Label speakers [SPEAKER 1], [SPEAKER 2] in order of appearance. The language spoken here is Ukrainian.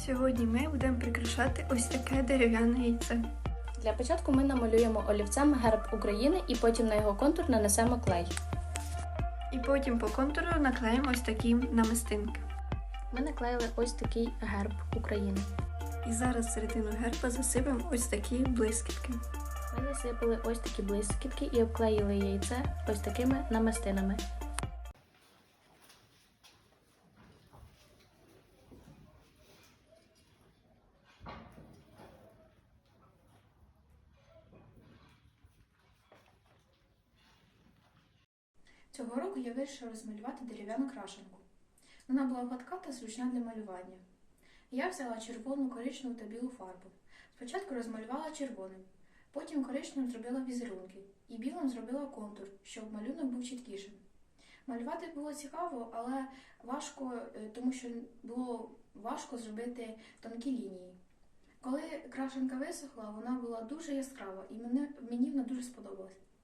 [SPEAKER 1] Сьогодні ми будемо прикрашати ось таке дерев'яне яйце.
[SPEAKER 2] Для початку ми намалюємо олівцем герб України і потім на його контур нанесемо клей.
[SPEAKER 1] І потім по контуру наклеїмо ось такі намистинки.
[SPEAKER 2] Ми наклеїли ось такий герб України.
[SPEAKER 1] І зараз середину герба засипемо ось такі блискітки.
[SPEAKER 2] Ми засипали ось такі блискітки і обклеїли яйце ось такими намистинами.
[SPEAKER 3] Цього року я вирішила розмалювати дерев'яну крашенку. Вона була гладка та зручна для малювання. Я взяла червону, коричневу та білу фарбу. Спочатку розмалювала червоним, потім коричневим зробила візерунки і білим зробила контур, щоб малюнок був чіткішим. Малювати було цікаво, але важко, тому що було важко зробити тонкі лінії. Коли крашенка висохла, вона була дуже яскрава і мені вона дуже сподобалась.